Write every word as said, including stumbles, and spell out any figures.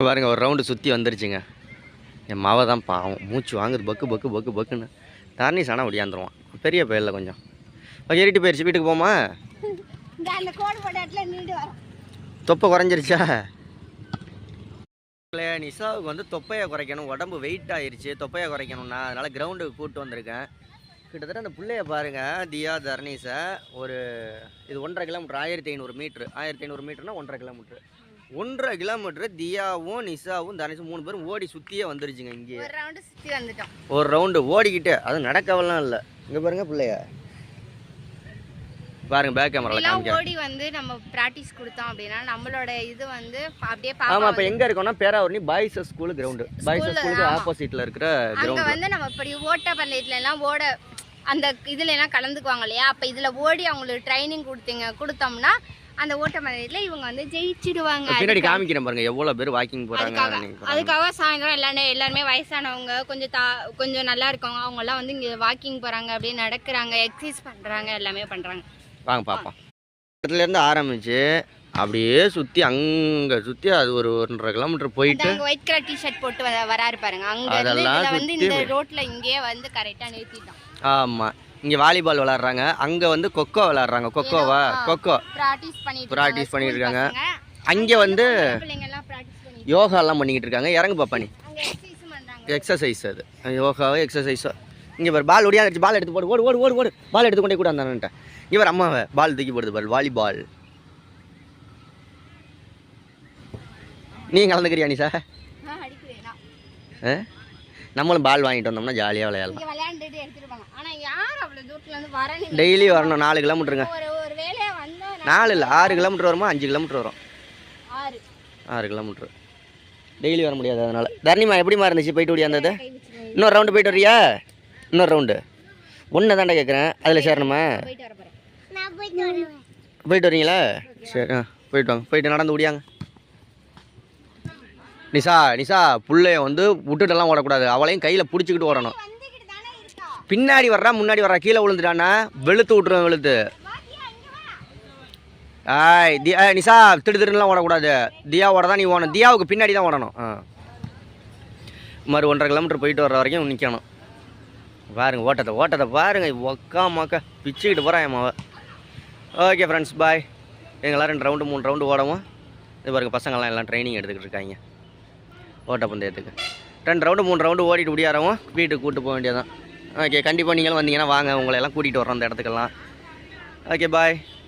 பாருங்க ஒரு ரவுண்டு சுற்றி வந்துருச்சுங்க. என் மாவை தான் பாவம் மூச்சு வாங்குது பக்கு பக்கு பக்கு பக்குன்னு. தர்னீஸ் ஆனால் ஒடியாந்துருவான் பெரிய பயிரில் கொஞ்சம் ஏறிட்டு போயிடுச்சு. வீட்டுக்கு போமா? தொப்பை குறைஞ்சிருச்சா? நிசாவுக்கு வந்து தொப்பையை குறைக்கணும், உடம்பு வெயிட் ஆயிடுச்சு, தொப்பையை குறைக்கணும்னா அதனால் கிரவுண்டுக்கு கூப்பிட்டு வந்திருக்கேன். கிட்டத்தட்ட அந்த பிள்ளைய பாருங்கள், தியா தர்னீஸை ஒரு இது ஒன்றரை கிலோமீட்டர் ஆயிரத்தி ஐநூறு மீட்ரு ஆயிரத்தி ஐநூறு மீட்டர்னா ஒன்றரை கிலோமீட்ரு ஒன்றரை கிலோமீட்டரு தியாவும் நிசாவும் தர்னீஸும் மூணு பேரும் ஓடி சுற்றியே வந்துருச்சுங்க. இங்கே ஒரு ரவுண்டு சுற்றி வந்துட்டோம். ஒரு ரவுண்டு ஓடிக்கிட்டு அது நடக்கவெல்லாம் இல்லை. இங்கே பாருங்க பிள்ளைய பாருங்க, பேக் கேமரால காமிக்கிறேன். ஓடி வந்து நம்ம பிராக்டீஸ் கொடுத்தோம் அப்படின்னா நம்மளோட இது வந்து அப்படியே ஆமா. அப்ப எங்க இருக்கோம்னா Peravurani boys school ground, boys ஸ்கூலுக்கு ஆப்போசிட்ல இருக்கிற கிரவுண்ட். அங்க வந்து நம்ம இப்படி ஓட்ட பந்தயத்துல எல்லாம் ஓட அந்த இதுல எல்லாம் கலந்துக்குவாங்க இல்லையா, அப்ப இதுல ஓடி அவங்களுக்கு ட்ரைனிங் கொடுத்தீங்க கொடுத்தோம்னா அந்த ஓட்ட பந்தயத்துல இவங்க வந்து ஜெயிச்சிடுவாங்க. பின்னாடி காமிக்கிறேன் பாருங்க எவ்வளவு பேர் வாக்கிங் போறாங்க. அதுக்காக சாயந்தரம் எல்லாரும் எல்லாருமே வயசானவங்க கொஞ்சம் தா கொஞ்சம் நல்லா இருக்கவங்க அவங்க எல்லாம் வந்து இங்க வாக்கிங் போறாங்க, அப்படியே நடக்கிறாங்க, எக்ஸசைஸ் பண்றாங்க, எல்லாமே பண்றாங்க. வாங்க பாப்போம். இடத்துல இருந்து ஆரம்பிச்சு அப்படியே சுத்தி அங்க சுத்தி அது ஒரு ஒன்றரை கிலோமீட்டர் போயிட்டு ஒயிட் கலர் டி-ஷர்ட் போட்டு வராரு பாருங்க. அங்க இருந்து வந்து இந்த ரோட்ல இங்கே வந்து கரெக்டா நிறுத்திட்டோம். ஆமா. இங்க வாலிபால் விளையாடுறாங்க, அங்க வந்து கொக்கோ விளையாடுறாங்க. கொக்கோவா கொக்கோ பிராக்டீஸ் பண்ணிட்டு பிராக்டிஸ் பண்ணிட்டு இருக்காங்க. அங்க வந்து யோகா எல்லாம் பண்ணிக்கிட்டு இருக்காங்க. இறங்கு பாப்பா நீ. எக்ஸசைஸ் அது யோகாவோ எக்ஸசைஸோ. இங்க பாரு பால் ஒடியாந்துச்சு, பால் எடுத்து போடு, ஓடு ஓடு ஓடு ஓடு பால் எடுத்து கொண்டே கூட வந்தான்ட்ட. இவர் அம்மாவை பால் தூக்கி போடுது பால், வாலிபால். நீ கலந்துக்கிறியா நீ சார்? நம்மளும் பால் வாங்கிட்டு வந்தோம்னா ஜாலியாக விளையாடலாம். டெய்லி வரணும். நாலு கிலோமீட்டருங்க. நாலு இல்லை ஆறு கிலோமீட்டர் வருமா, அஞ்சு கிலோமீட்டர் வரும். ஆறு கிலோமீட்டர் டெய்லி வர முடியாது. அதனால தர்ணிமா எப்படிமா இருந்துச்சு போயிட்டு ஓடியாந்தது? இன்னொரு ரவுண்டு போயிட்டு வரியா? இன்னொரு ரவுண்டு ஒன்று தாண்டா கேட்குறேன். அதில் சேரணுமா? போயிட்டு வரீங்களா? சரி ஆ போயிட்டு வாங்க. போயிட்டு நடந்து ஓடியாங்க. நிசா நிசா புள்ளைய வந்து விட்டுட்டெல்லாம் ஓடக்கூடாது, அவளையும் கையில் பிடிச்சிக்கிட்டு ஓடணும். பின்னாடி வர்றா முன்னாடி வர்றா, கீழே விழுந்துட்டானா வெளுத்து விட்டுருவேன் வெளுத்து. ஆய் தி நிசா திடு திருலாம் ஓடக்கூடாது. தியாவோட தான் நீ ஓடணும், தியாவுக்கு பின்னாடி தான் ஓடணும். ஆ மறு ஒன்றரை கிலோமீட்டர் போயிட்டு வர்ற வரைக்கும் நிற்கணும். பாருங்கள் ஓட்டத்தை ஓட்டத்தை பாருங்கள், ஒக்கா மக்கா பிச்சுக்கிட்டு போகிறான் என் மாவை. Okay friends bye. எங்களாம் ரெண்டு ரவுண்டு மூணு ரவுண்டு ஓடவும். இது பாருங்கள் பசங்கள்லாம் எல்லாம் ட்ரைனிங் எடுத்துக்கிட்டு இருக்காங்க ஓட்டப்பந்தயத்துக்கு. ரெண்டு ரவுண்டு மூணு ரவுண்டு ஓடிட்டு முடியாதவங்க வீட்டுக்கு கூப்பிட்டு போக வேண்டியதான். ஓகே கண்டிப்பாக நீங்களும் வந்தீங்கன்னா வாங்க, உங்களை எல்லாம் கூட்டிகிட்டு வரோம் அந்த இடத்துக்கெல்லாம். ஓகே பாய்.